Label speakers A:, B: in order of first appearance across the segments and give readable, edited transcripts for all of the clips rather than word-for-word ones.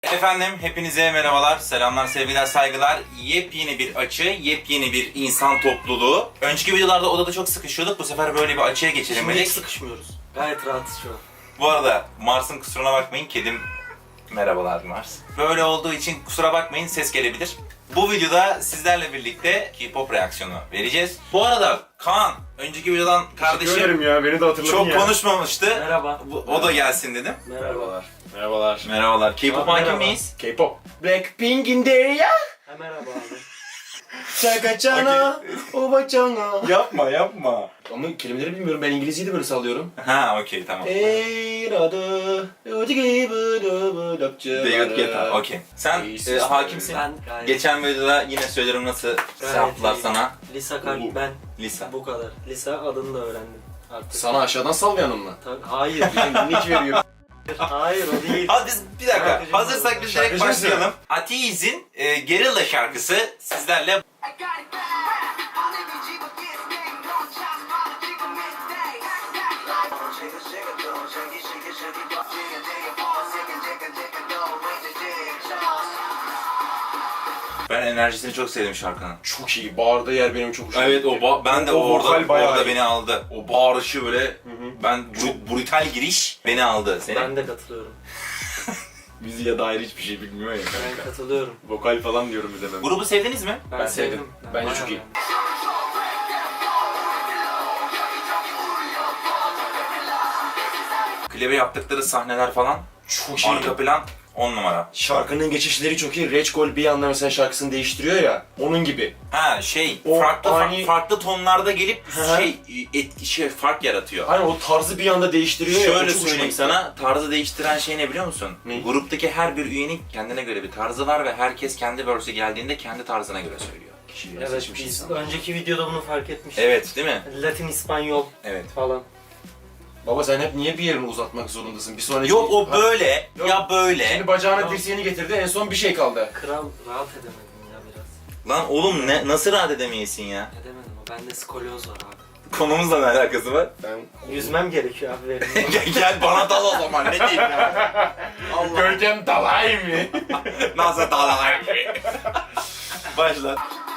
A: Efendim hepinize merhabalar, selamlar, sevgiler, saygılar. Yepyeni bir açı, yepyeni bir insan topluluğu. Önceki videolarda odada çok sıkışıyorduk. Bu sefer böyle bir açıya geçelim
B: Şimdi
A: dedik.
B: hiç sıkışmıyoruz. Gayet rahatız şu an.
A: Bu arada Mars'ın kusuruna bakmayın, kedim merhabalar Mars. Böyle olduğu için kusura bakmayın, ses gelebilir. Bu videoda sizlerle birlikte K-pop reaksiyonu vereceğiz. Bu arada Kaan, önceki videodan kardeşim
C: ya, beni de hatırladın
A: çok
C: ya.
A: konuşmamıştı.
B: Merhaba.
A: O da gelsin dedim.
B: Merhaba.
C: Merhabalar.
A: Merhabalar. K-pop
B: Merhaba.
A: hakim miyiz?
C: K-pop. Blackpink in there ya.
B: Ha, merhaba abi.
C: Çakachana, obachana.
A: Yapma yapma.
C: Ama kelimeleri bilmiyorum. Ben İngilizceyi de böyle sallıyorum.
A: Ha okey tamam. David Guetta, okey. Sen hakimsin.
B: Ben gayet...
A: Geçen videoda yine söylerim nasıl
B: Gayet
A: yaptılar
B: iyi.
A: sana.
B: Lisa Kalp ben.
A: Lisa.
B: Bu kadar. Lisa adını da öğrendim artık.
C: Sana aşağıdan sallayanım mı?
B: Tabii, hayır.
C: Nick veriyor.
B: Hayır o değil.
A: Hadi biz bir dakika.
B: Şarkıcı
A: Hazırsak biz direkt
C: Şarkıcı
A: başlayalım. Atiz'in Guerrilla şarkısı sizlerle. Ben enerjisini çok sevdim şarkının.
C: Çok iyi. Bağırdığı yer benim çok hoşuma
A: Evet
C: gitti.
A: ben de
C: O vokal
A: orada
C: bayağı iyi.
A: beni aldı. O bağırışı böyle ben brutal giriş beni aldı. Seni
B: Ben de katılıyorum.
A: müziğe dair hiçbir şey bilmiyor ya.
B: Ben katılıyorum.
C: Vokal falan diyorum bir de ben.
A: Grubu sevdiniz mi?
B: Ben
C: sevdim. Bence
B: bayağı
C: çok iyi.
B: beğendim.
A: Klibe yaptıkları sahneler falan
C: Çok iyi.
A: arka plan 10 numara.
C: Şarkının geçişleri çok iyi. Rage Gol bir anda mesela şarkısını değiştiriyor ya. Onun gibi.
A: Ha
C: O
A: farklı tonlarda gelip
C: Hı hı.
A: fark yaratıyor.
C: Hani o tarzı bir anda değiştiriyor ya. o
A: Şöyle
C: çok hoşuma
A: söyleyeyim
C: gitti.
A: sana, tarzı değiştiren şey ne biliyor musun?
C: Ne?
A: Gruptaki her bir üyenin kendine göre bir tarzı var ve herkes kendi verse'ü geldiğinde kendi tarzına göre söylüyor.
C: Kişiyi
B: Evet
C: seçmiş
B: biz
C: insan.
B: önceki videoda bunu fark etmiştik.
A: Evet, değil mi?
B: Latin, İspanyol
A: Evet.
B: falan.
C: Baba sen hep niye bir yerini uzatmak zorundasın? Bir sonraki...
A: Yok o böyle
C: Yok.
A: ya böyle.
C: Şimdi bacağına dirseğini getirdi, en son bir şey kaldı.
B: Kral rahat edemedim ya biraz.
A: Lan oğlum nasıl rahat edemeyesin ya?
B: Edemedim o. Bende skolyoz var abi.
A: Konumuzla ne alakası var?
C: Ben...
B: Yüzmem gerekiyor abi benim.
A: Gel bana dal o zaman ne diyeyim ya? Allah.
C: Görkem dalay mı?
A: Nasıl dalay? Başla.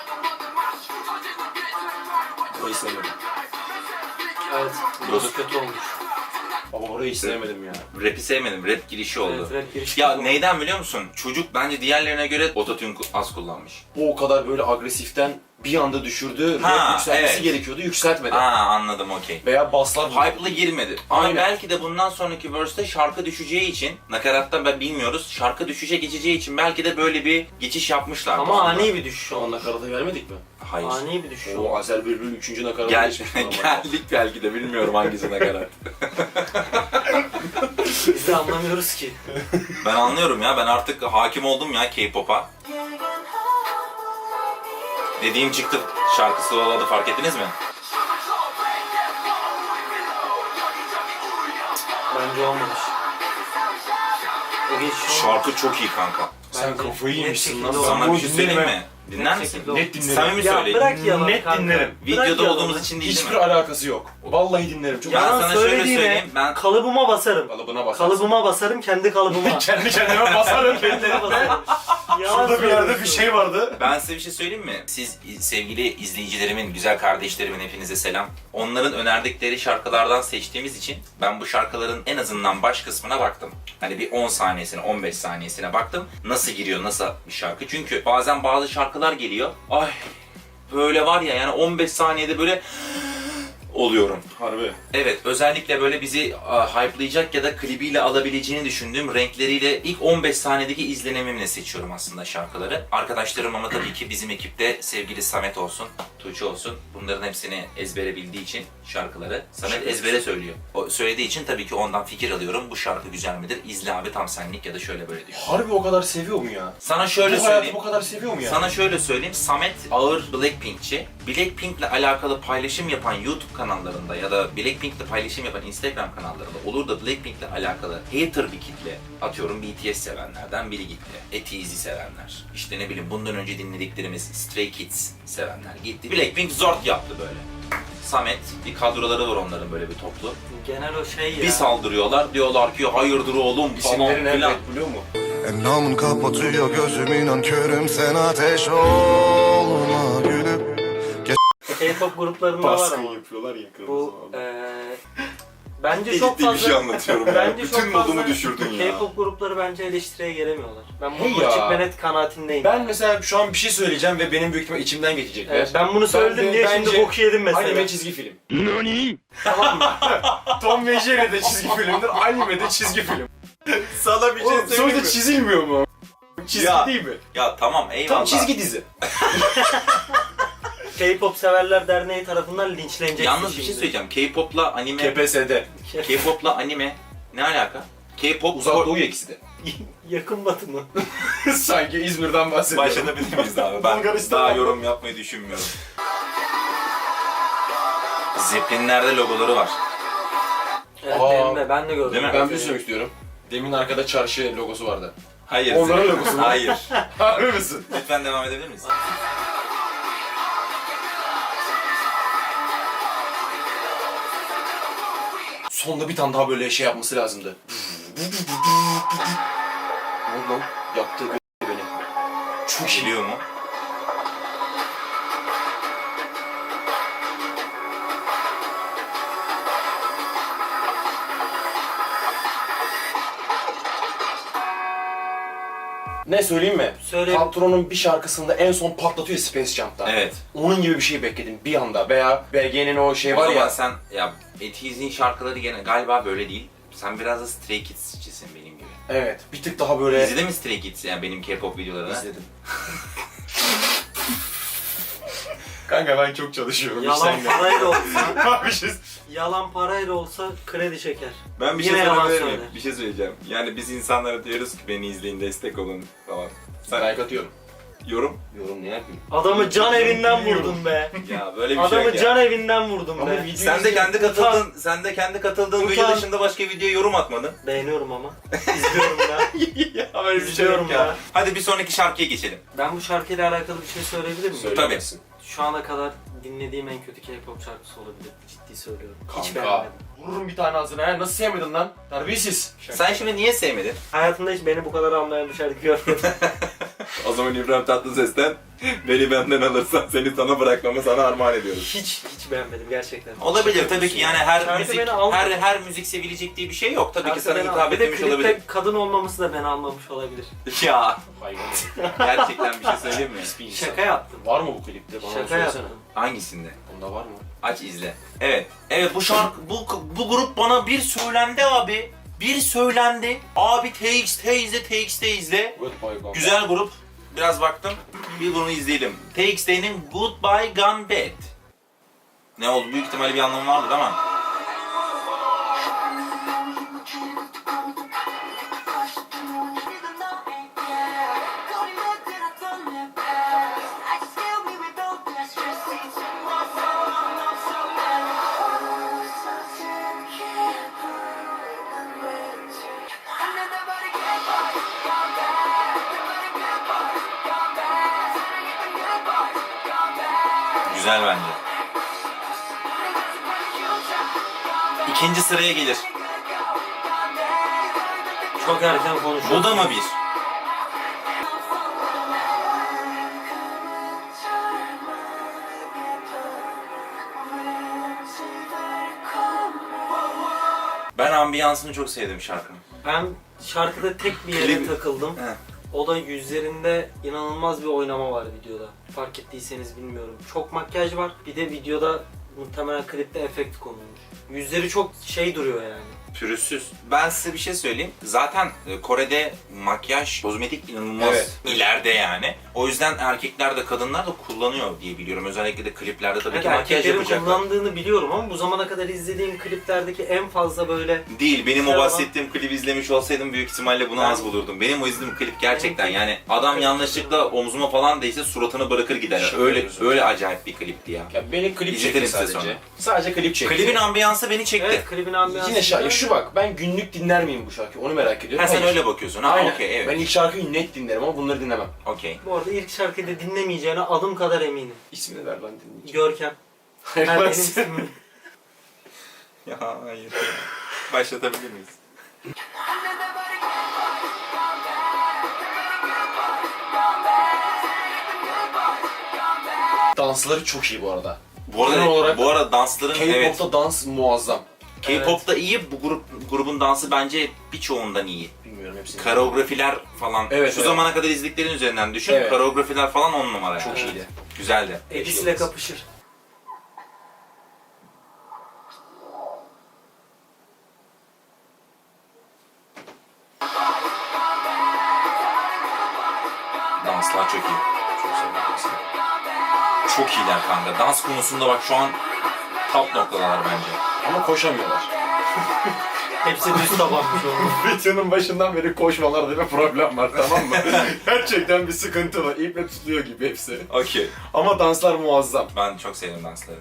C: Burayı sevmedim.
B: Evet, burası kötü olmuş.
C: Baba orayı hiç sevmedim ya.
A: Rap'i sevmedim, rap girişi oldu.
B: Evet, rap girişi
A: Ya
B: oldu.
A: neyden biliyor musun? Çocuk bence diğerlerine göre ototune az kullanmış.
C: O kadar böyle agresiften bir anda düşürdü.
A: Ha,
C: Rap yükselmesi
A: evet.
C: gerekiyordu, yükseltmedi.
A: Aa anladım okey.
C: Veya baslar...
A: Hype'lı girmedi. Ama
C: Aynen.
A: belki de bundan sonraki verse'te şarkı düşeceği için, nakarattan ben bilmiyoruz, şarkı düşüşe geçeceği için belki de böyle bir geçiş yapmışlar.
B: Ama ani bir düşüş
C: Şu an
B: oldu.
C: nakaratı vermedik mi?
A: Hayır.
B: Ani bir düşüş
C: O
B: oldu.
C: Azer Bülbül 3. nakaratı
A: Gel,
C: geçmişti ama.
A: geldik belki de bilmiyorum hangisi nakarat.
B: Biz de anlamıyoruz ki.
A: Ben anlıyorum ya, ben artık hakim oldum ya K-pop'a. Dediğim çıktı şarkısı oladı, fark ettiniz mi?
B: Bence olmamış. O geçiş olmamış.
A: Şarkı çok iyi kanka.
C: Sen
B: Bence
C: kafayı
B: net
C: yemişsin
B: şekilde
C: lan.
B: olmamış.
A: Sana bir şey
C: bunu
A: söyleyeyim
C: dinlemem.
A: mi? Dinler misin?
B: şekilde
C: Net dinlerim.
A: Samimi
B: Ya
A: söyleyeyim.
B: bırak yalan
C: Net
B: kanka.
C: dinlerim.
A: Videoda
B: Bırak yalanı.
A: olduğumuz için değil değil
C: Hiçbir
A: mi?
C: alakası yok. Vallahi dinlerim. Çok
A: Ya
B: Yalan
A: sana şöyle
B: söylediğine
A: söyleyeyim, ben
B: kalıbıma basarım.
C: kalıbına basarsın.
B: Kalıbıma basarım, kendi kalıbıma.
C: Kendi kendime basarım.
B: Kendine basarım. Yalan
C: Şurada bir yerde bir
B: söylüyorsun.
C: şey vardı.
A: Ben size bir şey söyleyeyim mi? Siz sevgili izleyicilerimin, güzel kardeşlerimin hepinize selam. Onların önerdikleri şarkılardan seçtiğimiz için ben bu şarkıların en azından baş kısmına baktım. Hani bir 10 saniyesine, 15 saniyesine baktım. Nasıl giriyor, nasıl bir şarkı? Çünkü bazen bazı şarkılar geliyor. Ay böyle var ya, yani 15 saniyede böyle oluyorum.
C: Harbi.
A: Evet, özellikle böyle bizi hype'layacak ya da klibiyle alabileceğini düşündüğüm renkleriyle ilk 15 saniyedeki izlenimimle seçiyorum aslında şarkıları. Arkadaşlarım ama tabii ki bizim ekipte sevgili Samet olsun, Tuğçe olsun. Bunların hepsini ezbere bildiği için şarkıları. Samet ezbere söylüyor. O söylediği için tabii ki ondan fikir alıyorum. Bu şarkı güzel midir? İzle abi tam senlik ya da şöyle böyle diyor.
C: Harbi o kadar seviyor mu ya?
A: Sana şöyle
C: Bu hayatı
A: söyleyeyim.
C: bu kadar seviyor mu ya?
A: Sana şöyle söyleyeyim, Samet ağır Blackpink'çi. Blackpink'le alakalı paylaşım yapan YouTube kanallarında ya da Blackpink'le paylaşım yapan Instagram kanallarında olur da Blackpink'le alakalı hater bir kitle, atıyorum BTS sevenlerden biri gitti. ATEEZ'i sevenler. İşte ne bileyim bundan önce dinlediklerimiz Stray Kids sevenler gitti. Blackpink zort yaptı böyle. Samet, bir kadroları var onların böyle bir toplu.
B: Genel o şey ya.
A: Bir saldırıyorlar, diyorlar ki hayırdır oğlum falan
C: İsimleri nerede
A: filan.
C: biliyor mu?
D: Endamın kapatıyor gözüm inan körüm sen ateş olma gülüm.
B: K-pop gruplarında var ama.
C: yapıyorlar ya
B: Bu bence çok
A: Ciddi bir
B: fazla
A: şey anlatıyorum ya.
B: bence
A: Bütün
B: çok fazla
A: modumu düşürdün ya.
B: K-pop grupları bence eleştiriye gelemiyorlar. Ben
C: Hey
B: bu
C: ya.
B: açık ve net kanaatindeyim.
C: Ben mesela şu an bir şey söyleyeceğim ve benim büyük ihtimal içimden geçecekler.
B: Evet, ben bunu söyledim diye şimdi
C: bence
B: boku yedim mesela.
C: Anime çizgi film. Tamam mı? Tom ve Jerry de çizgi filmdir, anime de çizgi film.
A: Sana bir şey
C: Oğlum
A: söyleyeyim mi?
C: sonuçta çizilmiyor mu? Çizgi
A: Ya.
C: değil mi?
A: Ya tamam eyvallah.
C: Tam çizgi dizi.
B: K-pop Severler Derneği tarafından linçlenecek.
A: Yalnız bir şey söyleyeceğim. K-pop'la anime,
C: KPSS'de.
A: K-pop'la anime ne alaka? K-pop
C: Uzak Doğu ikisi de.
B: Yakın batı mı?
C: Sanki İzmir'den bahsediyorum.
A: Başlayabilir miyiz daha? Ben
C: Bulgaristan
A: daha
C: mı?
A: yorum yapmayı düşünmüyorum. Zeppelin'lerde logoları var.
B: Evet
C: Aa.
B: benim de ben de gördüm.
A: Değil mi?
C: Ben bir şey söylemek istiyorum. Demin arkada çarşı logosu vardı.
A: Hayır.
C: Onların logosu mu?
A: Hayır.
C: Harbi misin?
A: Lütfen devam edebilir miyiz?
C: Sonda bir tane daha böyle şey yapması lazımdı. Ne oldu lan? Yaptı beni. Çok iyi.
A: Geliyor mu?
C: Ne söyleyeyim mi?
B: Söyle.
C: Paltro'nun bir şarkısında en son patlatıyor Space Jump'ta.
A: Evet.
C: Onun gibi bir şey bekledim bir anda. Veya BG'nin o şey
A: O
C: var
A: zaman
C: ya.
A: sen ya Etiz'in şarkıları gene galiba böyle değil. Sen biraz da Stray Kids'cisin benim gibi.
C: Evet. Bir tık daha böyle...
A: İzledin mi Stray Kids yani benim K-pop videolarını?
C: İzledim. Kanka ben çok çalışıyorum.
B: Yalan parayla olsa,
C: bir şey...
B: yalan parayla olsa kredi çeker.
A: Ben bir
B: Yine
A: şey
B: yalan
A: söyleyebilir
B: söyle.
A: miyim? Bir şey söyleyeceğim. Yani biz insanlara diyoruz ki beni izleyin, destek olun falan. Sen
C: Like atıyorum.
A: yorum?
C: Yorum ne yapayım?
B: Adamı can evinden vurdun be.
A: Ya böyle bir şey
B: Adamı
A: yok ya.
B: can evinden vurdun
C: Ama
B: be.
C: video-
A: Sen de kendi katıldığın, sen de kendi katıldığın video
B: Utan.
A: dışında başka videoya yorum atmadın.
B: Beğeniyorum ama. İzliyorum da.
A: Ya böyle
B: İzliyorum ya.
A: Hadi bir sonraki şarkıya geçelim.
B: Ben bu şarkıyla alakalı bir şey söyleyebilir miyim?
C: Söylemezsin.
B: Şu ana kadar dinlediğim en kötü K-pop şarkısı olabilir. Ciddi söylüyorum. Hiç
C: Kanka.
B: beğenmedim.
C: Vururum bir tane ağzına. Ha, nasıl sevmedin lan? Terbiyesiz.
A: Sen şimdi niye sevmedin?
B: Hayatımda hiç beni bu kadar anlayan bir şarkı görmedim.
A: O zaman İbrahim Tatlıses'ten beni benden alırsan seni sana bırakmamı sana armağan ediyoruz.
B: hiç beğenmedim gerçekten.
A: Olabilir tabii ki yani her
B: Şarkı
A: müzik
B: beni almadı.
A: her müzik sevilecek diye bir şey yok. Tabii ki sana
B: Şarkı beni
A: hitap
B: almadı. Bir de
A: etmemiş
B: klipte
A: olabilir.
B: kadın olmaması da beni almamış olabilir.
A: Ya
C: Hayvan.
A: gerçekten bir şey söyleyeyim mi?
C: Pis bir insan.
B: Şaka yaptım.
C: Var mı bu klipte? Bana
B: Şaka
C: söylesene.
B: yaptım.
A: Hangisinde?
C: Bunda var mı?
A: Aç izle. Evet. Evet bu şarkı bu grup bana bir söylendi abi. Bir söylendi. Abi TXT izle.
C: Goodbye Gone.
A: Güzel grup. Biraz baktım. Bir bunu izleyelim. TXT'nin Goodbye Gone Bad. Ne oldu? Büyük ihtimalle bir anlamı vardır ama. Güzel bence. İkinci sıraya gelir.
B: Çok erken konuşuyor.
A: Bu da mı bir? Ben ambiyansını çok sevdim şarkının.
B: Ben şarkıda tek bir yere
A: Klip-
B: takıldım.
A: He.
B: O da yüzlerinde inanılmaz bir oynama var videoda. Fark ettiyseniz bilmiyorum. Çok makyaj var. Bir de videoda muhtemelen klipte efekt konulmuş. Yüzleri çok şey duruyor yani.
A: Pürüzsüz. Ben size bir şey söyleyeyim. Zaten Kore'de makyaj, kozmetik inanılmaz
C: Evet.
A: ileride yani. O yüzden erkekler de kadınlar da kullanıyor diye biliyorum. Özellikle de kliplerde tabii ki
B: Evet,
A: makyaj
B: erkeklerin
A: yapacaklar.
B: kullandığını biliyorum ama bu zamana kadar izlediğim kliplerdeki en fazla böyle
A: Değil. Benim o
B: Merhaba.
A: bahsettiğim klibi izlemiş olsaydım büyük ihtimalle bunu
B: Ben-
A: az bulurdum. Benim o izlediğim klip gerçekten
B: Benim-
A: yani adam yanlışlıkla omzuma falan değse suratını bırakır gider.
C: Şaka
A: Öyle
C: yapıyorsun.
A: öyle acayip bir klipti ya.
C: Ya beni klip
A: İzletelim
C: çekti
A: size
C: sadece.
A: sonra.
C: Sadece klip çekti.
A: Klibin ambiyansı beni çekti.
B: evet klibin ambiyansı.
C: Yine şarkı. Şu bak ben günlük dinler miyim bu şarkıyı? Onu merak ediyorum.
A: Ha sen
C: Hayır.
A: öyle bakıyorsun. Ha
C: Aynen.
A: okey evet.
C: Ben ilk şarkıyı net dinlerim ama bunları dinlemem.
A: Okey.
B: Bu arada ilk şarkıyı da dinlemeyeceğine adım kadar eminim.
C: İsmini ver lan dinleyeceğim.
B: Görkem.
C: Hayır,
B: Ha,
C: ben
B: benim
C: sen-
B: ismim.
A: Ya hayır. Başlatabilir miyiz?
C: dansları çok iyi bu arada.
A: Bu arada,
C: Genel olarak
A: bu arada dansların evet.
C: K-pop'ta dans muazzam.
A: K-pop'ta iyi, bu grubun dansı bence birçoğundan iyi.
C: Bilmiyorum hepsini.
A: Koreografiler falan.
C: Evet,
A: Şu
C: evet.
A: zamana kadar izlediklerin üzerinden düşün.
C: Evet.
A: Koreografiler falan 10 numara
C: Çok
A: yani.
C: iyiydi.
A: Güzeldi.
B: Edis ile kapışır.
A: Danslar çok iyi.
C: Çok seviyorum.
A: Çok iyiler kanka. Dans konusunda bak şu an top noktadalar bence.
C: Ama koşamıyorlar.
B: Hepsi düz tabanmış onun.
C: Videonun başından beri koşmalarda bir problem var, tamam mı? Gerçekten bir sıkıntı var. İple tutuluyor gibi hepsi.
A: Okey.
C: Ama danslar muazzam.
A: Ben çok sevdim dansları.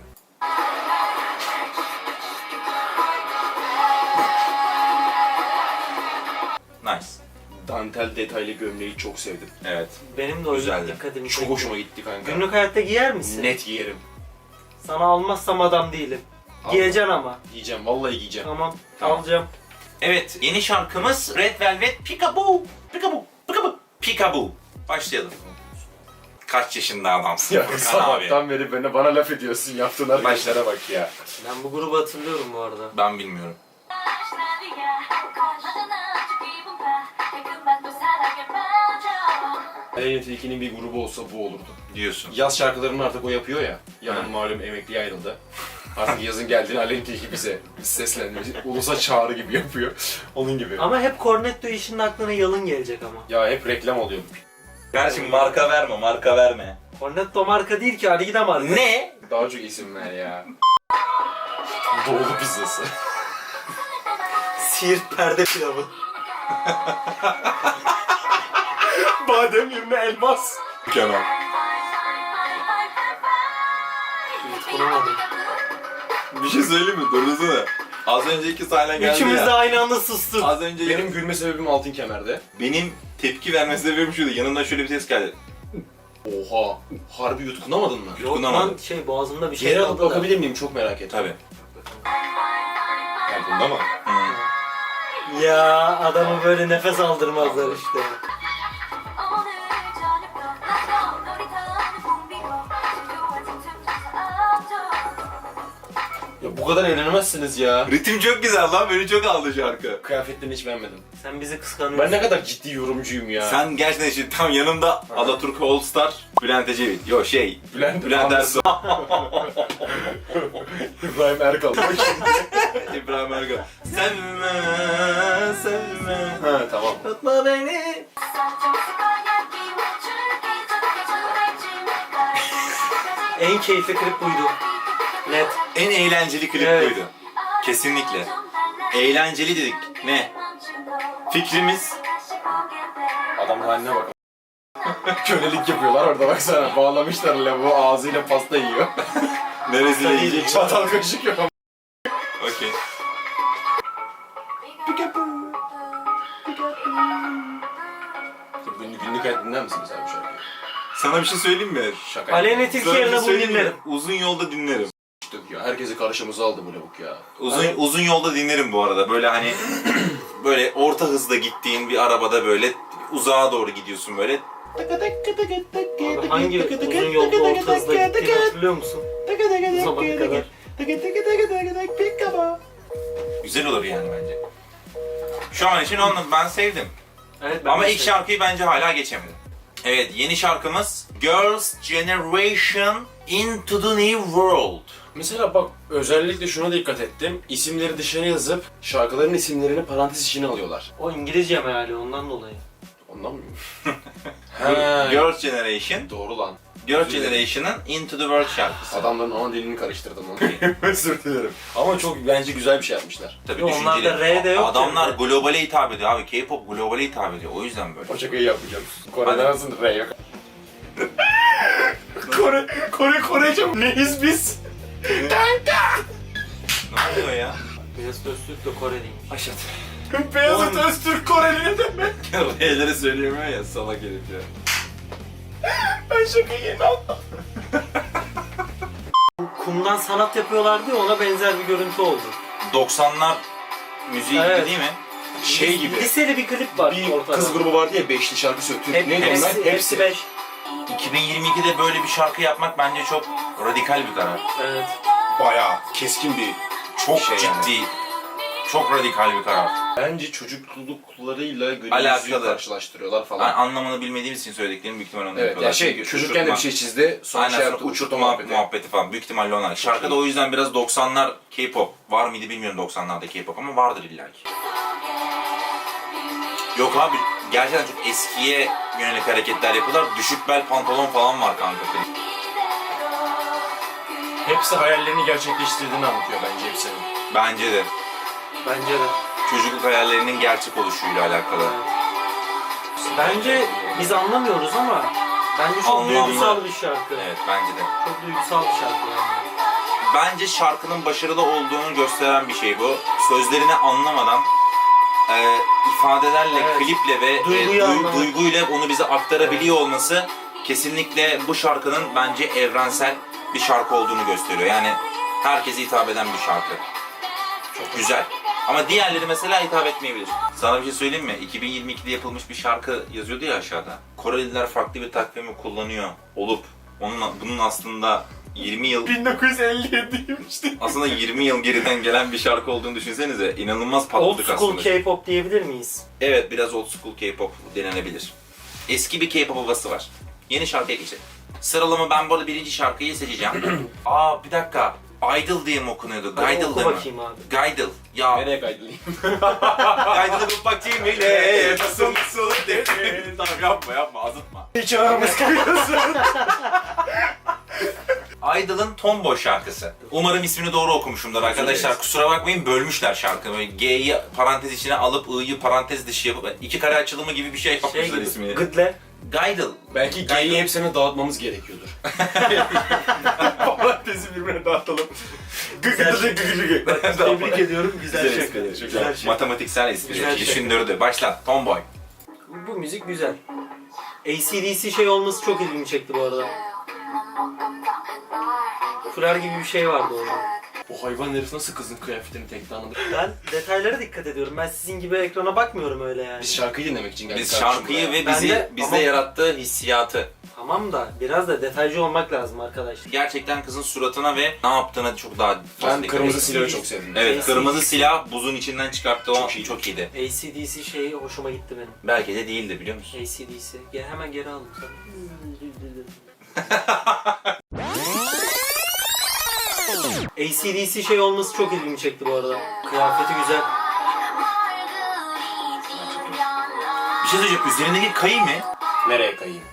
A: Nice.
C: Dantel detaylı gömleği çok sevdim.
A: Evet.
B: Benim de o
A: Güzeldi.
B: dikkatimi
C: Çok
B: çekti.
C: hoşuma gitti kanka.
B: Günlük hayatta giyer misin?
C: Net giyerim.
B: Sana almazsam adam değilim.
C: Al.
B: Giyeceksin ama.
C: Giyeceğim, vallahi giyeceğim.
B: Tamam,
A: Tamam.
B: alacağım.
A: Evet, yeni şarkımız Red Velvet Peekaboo. Peekaboo. Peekaboo. Peekaboo. Başlayalım. Kaç yaşında adamsın
C: Ya
A: Furkan abi?
C: sabahtan beri bana laf ediyorsun, yaptığın hareketlere bak ya.
B: Ben bu grubu hatırlıyorum bu arada.
A: Ben bilmiyorum.
C: Aleyna Tilki'nin bir grubu olsa bu olurdu.
A: Diyorsun.
C: Yaz şarkılarını artık o yapıyor ya. Yarın
A: Ha.
C: malum emekliye ayrıldı. Artık yazın geldiğinde Aleyna Tilki bize seslenmiş. Ulusa çağrı gibi yapıyor. Onun gibi.
B: Ama hep Cornetto işinin aklına yalın gelecek ama.
C: Ya hep reklam oluyor.
A: Kardeşim marka verme, marka verme.
B: Cornetto marka değil ki, Argida marka.
A: Ne?
C: Daha çok isim ver ya. Doğulu pizzası.
B: Siirt perde pilavı.
C: Badem yerine elmas.
A: Kemal.
B: Yutkunamadım.
A: Bir şey söyleyeyim mi? Dursana. Az önceki sahne geldi
B: Üçümüz
A: ya.
B: de aynı anda sustuk.
A: Az önce
C: Benim gülme sebebim altın kemerde.
A: benim tepki verme sebebim şuydu. Yanından şöyle bir ses geldi.
C: Oha. Harbi yutkunamadın mı?
B: Yok
A: Yutkunamadım.
B: lan boğazımda bir şey
C: Geri alıp
B: kaldı da.
C: bakabilir miyim? Çok merak ettim.
A: Tabii.
C: Yani bunda mı?
B: Ya adamı böyle nefes aldırmazlar işte.
C: Ya bu kadar eğlenemezsiniz ya.
A: Ritim çok güzel lan. Beni çok aldı şarkı.
C: Kıyafetlerini hiç beğenmedim.
B: Sen bizi kıskanıyorsun.
C: Ben ne kadar ciddi yorumcuyum ya.
A: Sen gerçekten şimdi tam yanında Alaturk All Star, Bülent Ecevit. Yo
C: Bülent
A: Ersoy.
C: İbrahim Erkal.
A: İbrahim Ergal. Sevme, sevme.
C: Ha tamam.
A: Tutma beni.
B: En keyifli klip buydu. Net.
A: En eğlenceli klip
B: Evet.
A: buydu. Kesinlikle. Eğlenceli dedik. Ne? Fikrimiz
C: Adamın haline bak. Kölelik yapıyorlar orada baksana. Bağlamışlar lavuğu ağzıyla pasta yiyor.
A: neresiyle yiyecek?
C: Çatal kaşık yok ama.
A: Okey.
C: Günlük hayat dinler misin mesela bu şarkıyı?
A: Sana bir şey söyleyeyim mi?
C: Şaka.
B: Aleyna Tilki
A: Sana bir şey
B: yerine bunu
A: söyleyeyim mi?
B: dinlerim.
A: Uzun yolda dinlerim.
C: Ya herkesi karşımıza aldı bu lavuk ya.
A: Uzun yolda dinlerim bu arada. Böyle hani böyle orta hızda gittiğin bir arabada böyle uzağa doğru gidiyorsun böyle.
B: Abi hangi uzun yolda orta hızla gittiğini hatırlıyor musun? Bu zamana kadar.
A: Güzel olur yani bence. Şu an için onu ben sevdim.
B: Evet, ben
A: Ama
B: de
A: ilk
B: sevdim.
A: şarkıyı bence hala geçemedim. Evet, yeni şarkımız Girls' Generation Into the New World.
C: Mesela bak özellikle şuna dikkat ettim. İsimleri dışarı yazıp şarkıların isimlerini parantez içine alıyorlar.
B: O İngilizce meali ondan dolayı.
C: Ondan mı? Ha.
A: Girls' Generation,
C: Doğru lan.
A: Girls' Generation'ın Into the World şarkısı.
C: Adamların ana dilini karıştırdım onu. Özür dilerim. Ama çok bence güzel bir şey yapmışlar.
A: Tabii
B: Yo,
A: düşünceli.
B: onlarda R de yok
A: Adamlar
B: yani.
A: globale hitap ediyor abi. K-pop globale hitap ediyor. O yüzden böyle.
C: O şakayı yapmayacağım. Kore'de
A: Hadi.
C: nasıl R yok? Korece neyiz biz?
A: Ne oluyor ya?
B: Mesut Öztürk de Koreliymiş.
A: Aşat.
C: Beyazıt Öztürk Koreli ne demek?
A: R'leri söyleyemiyor ya salak herif ya.
C: Ben şakayı yeni anladım.
B: Kumdan sanat yapıyorlardı ya, ona benzer bir görüntü oldu.
A: 90'lar müziği
B: Evet.
A: gibi değil mi?
C: Şey gibi.
B: Liseli bir klip var
C: Bir
B: ortada.
C: kız grubu vardı ya beşli şarkı söylüyor.
B: Hep,
C: Neydi onlar?
B: hepsi 5.
A: 2022'de böyle bir şarkı yapmak bence çok radikal bir karar.
B: Evet.
C: Bayağı keskin bir
A: Çok
C: şey
A: ciddi,
C: yani.
A: çok radikal bir karar.
C: Bence çocukluklarıyla günümüzü
A: Alakalı.
C: karşılaştırıyorlar falan.
A: Ben anlamını bilmediğimiz için söylediklerim büyük ihtimalle onu
C: Evet
A: yapıyorlar.
C: yani şey
A: Çünkü
C: çocukken de bir
A: uçurtma-
C: şey çizdi sonra
A: Aynen,
C: şey
A: sonra
C: yaptı uçurtma
A: muhabbeti.
C: muhabbeti.
A: Falan büyük ihtimalle onlar. Şarkıda o yüzden biraz 90'lar K-pop var mıydı bilmiyorum 90'larda K-pop ama vardır illaki. Yok abi gerçekten çok eskiye yönelik hareketler yapıyorlar. Düşük bel pantolon falan var kanka.
C: Hepsi hayallerini gerçekleştirdiğini anlatıyor bence hepsinin.
A: Bence de.
B: Bence de.
A: Çocukluk hayallerinin gerçek oluşuyla alakalı.
B: Bence biz anlamıyoruz ama bence çok
A: Anlamlı.
B: duygusal bir şarkı.
A: Evet bence de.
B: Çok duygusal bir şarkı yani.
A: Bence şarkının başarılı olduğunu gösteren bir şey bu. Sözlerini anlamadan ifadelerle,
B: Evet.
A: kliple ve
B: Duyguyu anlamak.
A: duyguyla onu bize aktarabiliyor olması kesinlikle bu şarkının bence evrensel bir şarkı olduğunu gösteriyor. Yani herkese hitap eden bir şarkı. Çok güzel. Ama diğerleri mesela hitap etmeyebilir. Sana bir şey söyleyeyim mi? 2022'de yapılmış bir şarkı yazıyordu ya aşağıda. Koreliler farklı bir takvimi kullanıyor olup bunun aslında 20 yıl
C: 1957'yim işte.
A: aslında 20 yıl geriden gelen bir şarkı olduğunu düşünsenize. İnanılmaz
B: Old
A: patladık
B: school
A: aslında.
B: K-pop diyebilir miyiz?
A: Evet biraz old school K-pop denenebilir. Eski bir K-pop havası var. Yeni şarkıya geçelim. Sıralama ben bu arada birinci şarkıyı seçeceğim. Aa bir dakika. Idol diye mi okunuyordu?
B: Hadi
A: Gaydıl
B: oku
A: değil mi?
B: bakayım abi.
A: Gaydıl. Ya
C: Nereye kaydılayım?
A: Gaydıl'ı bu bakayım ile nasıl Tamam yapma azıtma.
C: Hiç aramız kayıyorsun.
A: Idol'ın Tomboy şarkısı. Umarım ismini doğru okumuşumdur arkadaşlar.
C: dileriz.
A: Kusura bakmayın bölmüşler şarkıyı. Böyle G'yi parantez içine alıp I'yı parantez dışı yapıp iki kare açılımı gibi bir şey
B: Şey
A: yapmışlar
B: gibi,
A: ismini.
B: Gıdle.
A: Gaydıl.
C: Belki G'yi hepsini dağıtmamız gerekiyordur. Parantezi birbirine dağıtalım.
B: Tebrik ediyorum. Güzel
A: Güzel
B: şarkı.
A: espri,
B: Güzel şarkı.
A: Matematiksel espri.
B: Güzel
A: Düşündürdü. Başlat. Tomboy.
B: Bu müzik güzel. AC/DC şey olması çok ilgimi çekti bu arada. Fular gibi bir şey vardı orada.
C: Bu hayvan herif nasıl kızın kıyafetini tekte anladı?
B: Ben detaylara dikkat ediyorum. Ben sizin gibi ekrana bakmıyorum öyle yani.
C: Biz şarkıyı dinlemek için geldik.
A: Biz
C: kardeşim
A: şarkıyı
C: buraya.
A: ve
B: Ben
A: bizi
B: de-
A: bizde
B: ama-
A: yarattığı hissiyatı.
B: Tamam da biraz da detaycı olmak lazım arkadaşlar.
A: Gerçekten kızın suratına ve ne yaptığına çok daha fazla
C: Ben
A: dikkat
C: kırmızı
A: ettim.
C: silahı çok sevdim.
A: Evet,
B: AC/DC.
A: kırmızı silah buzun içinden çıkarttı o
C: Çok iyi.
A: çok iyiydi.
B: AC/DC şeyi hoşuma gitti benim.
A: Belki de değildi biliyor musun?
B: AC/DC. Hemen geri aldım sana. AC/DC şey olması çok ilgimi çekti bu arada. Kıyafeti güzel.
A: Bir şey söyleyeceğim. Üzerindeki kayı mı?
C: Nereye kayayım?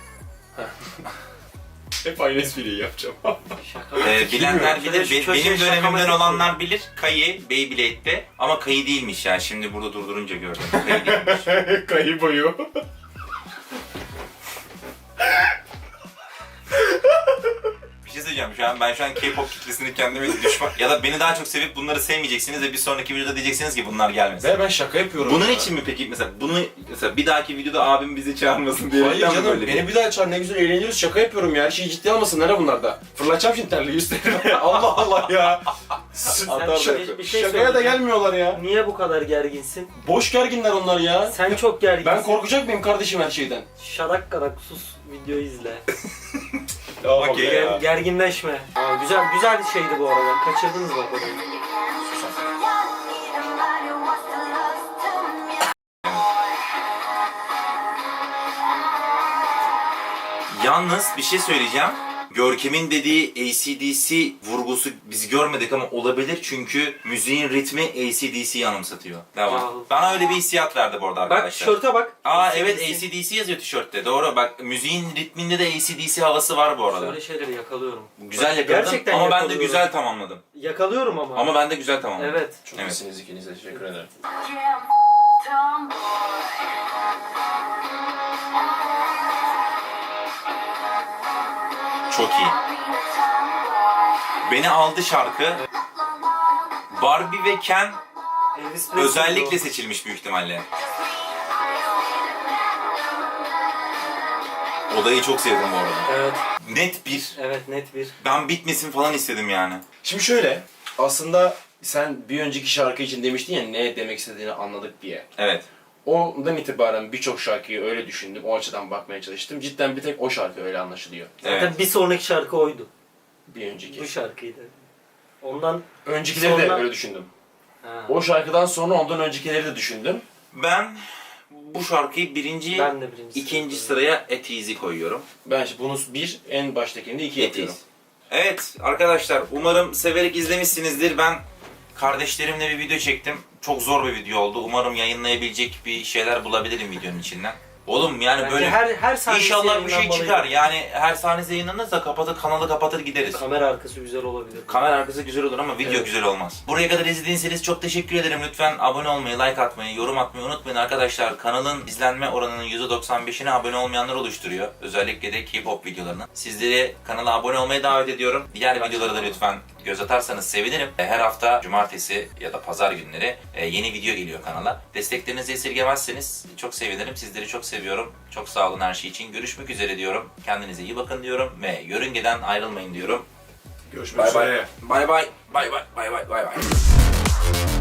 C: Hep aynı espriyi yapacağım.
B: Şaka.
A: Bilenler
B: Şöyle
A: bilir.
B: şu köşeye
A: Benim dönemimden
B: şakamatik
A: olanlar bilir. Kayı Beyblade'de ama kayı değilmiş yani. Şimdi burada durdurunca gördüm. Kayı değilmiş.
C: Kayı boyu.
A: Bir şey söyleyeceğim şu an K-pop kitlesini kendime düşman ya da beni daha çok sevip bunları sevmeyeceksiniz ve bir sonraki videoda diyeceksiniz ki bunlar gelmesin.
C: Ve ben şaka yapıyorum.
A: Bunun
C: ya.
A: için mi peki mesela bir dahaki videoda abim bizi çağırmasın diye.
C: Hayır canım beni bir daha çağır ne güzel eğleniyoruz şaka yapıyorum ya her şeyi ciddiye almasınlar ha bunlarda. Fırlatacağım şimdi terliği üstlerine. Allah Allah ya.
B: Sen bir şey
C: Şakaya da
B: söyleyeceğim.
C: gelmiyorlar ya.
B: Niye bu kadar gerginsin?
C: Boş gerginler onlar ya.
B: Sen çok gerginsin.
C: Ben korkacak mıyım kardeşim her şeyden?
B: Şadak kadak sus videoyu izle.
A: Okey ya.
B: Gerginleşme. Aa, güzel bir şeydi bu arada. Kaçırdınız bak orayı.
A: Yalnız bir şey söyleyeceğim. Görkem'in dediği AC/DC vurgusu biz görmedik ama olabilir çünkü müziğin ritmi AC/DC'yi anımsatıyor. Devam.
B: Aa.
A: Bana öyle bir hissiyat verdi bu arada
B: Bak
A: arkadaşlar.
B: tişörte bak.
A: Aa evet AC/DC yazıyor tişörtte. Doğru bak müziğin ritminde de AC/DC havası var bu arada.
B: Böyle şeyleri yakalıyorum.
A: Güzel
B: Bak,
A: yakaladın
B: gerçekten
A: ama ben de
B: yakalıyorum.
A: güzel tamamladım.
B: Yakalıyorum ama.
A: Ama ben de güzel tamamladım.
B: Evet.
C: Çok
A: Evet.
C: iyisiniz ikiniz de teşekkür ederim.
A: Çok iyi. Beni aldı şarkı. Barbie ve Ken
B: Elvis Presley
A: özellikle
B: o.
A: seçilmiş büyük ihtimalle. Odayı çok sevdim bu arada.
B: Evet.
A: Net bir.
B: Evet net bir.
A: Ben bitmesin falan istedim yani.
C: Şimdi şöyle aslında sen bir önceki şarkı için demiştin ya ne demek istediğini anladık diye.
A: Evet.
C: Ondan itibaren birçok şarkıyı öyle düşündüm, o açıdan bakmaya çalıştım. Cidden bir tek o şarkı öyle anlaşılıyor.
B: Zaten
A: Evet.
B: bir sonraki şarkı oydu.
C: Bir önceki.
B: Bu şarkıydı. Ondan
C: Öncekileri de
B: sonra-
C: öyle düşündüm.
B: ha,
C: O şarkıdan sonra ondan öncekileri de düşündüm.
A: Ben bu şarkıyı birinci,
B: ben de birinci
A: ikinci
B: sırada
A: sıraya At Easy koyuyorum.
C: Ben işte bunu bir, en baştakini de iki
A: At
C: yapıyorum.
A: Easy. Evet arkadaşlar, umarım severek izlemişsinizdir. Ben kardeşlerimle bir video çektim. Çok zor bir video oldu. Umarım yayınlayabilecek bir şeyler bulabilirim videonun içinden. Oğlum yani
B: Bence
A: böyle
B: her sahnesi
A: İnşallah bir şey
B: yayınlanmalıydı.
A: çıkar. Yani her sahnesi yayınlanırsa kanalı kapatır gideriz.
B: Kamera arkası güzel olabilir.
A: Kamera arkası güzel olur ama video
B: Evet.
A: güzel olmaz. Buraya kadar izlediyseniz çok teşekkür ederim. Lütfen abone olmayı, like atmayı, yorum atmayı unutmayın arkadaşlar. Kanalın izlenme oranının %95'ini abone olmayanlar oluşturuyor. Özellikle de K-pop videolarını. Sizleri kanala abone olmaya davet ediyorum. Diğer videolara da lütfen göz atarsanız sevinirim. Her hafta cumartesi ya da pazar günleri yeni video geliyor kanala. Desteklerinizi esirgemezseniz çok sevinirim. Sizleri çok seviyorum. Çok sağ olun her şey için. Görüşmek üzere diyorum. Kendinize iyi bakın diyorum ve yörüngeden ayrılmayın diyorum.
C: Görüşmek
A: Bay
C: üzere.
A: bay. Bay bay. Bay bay. Bay bay. Bay bay.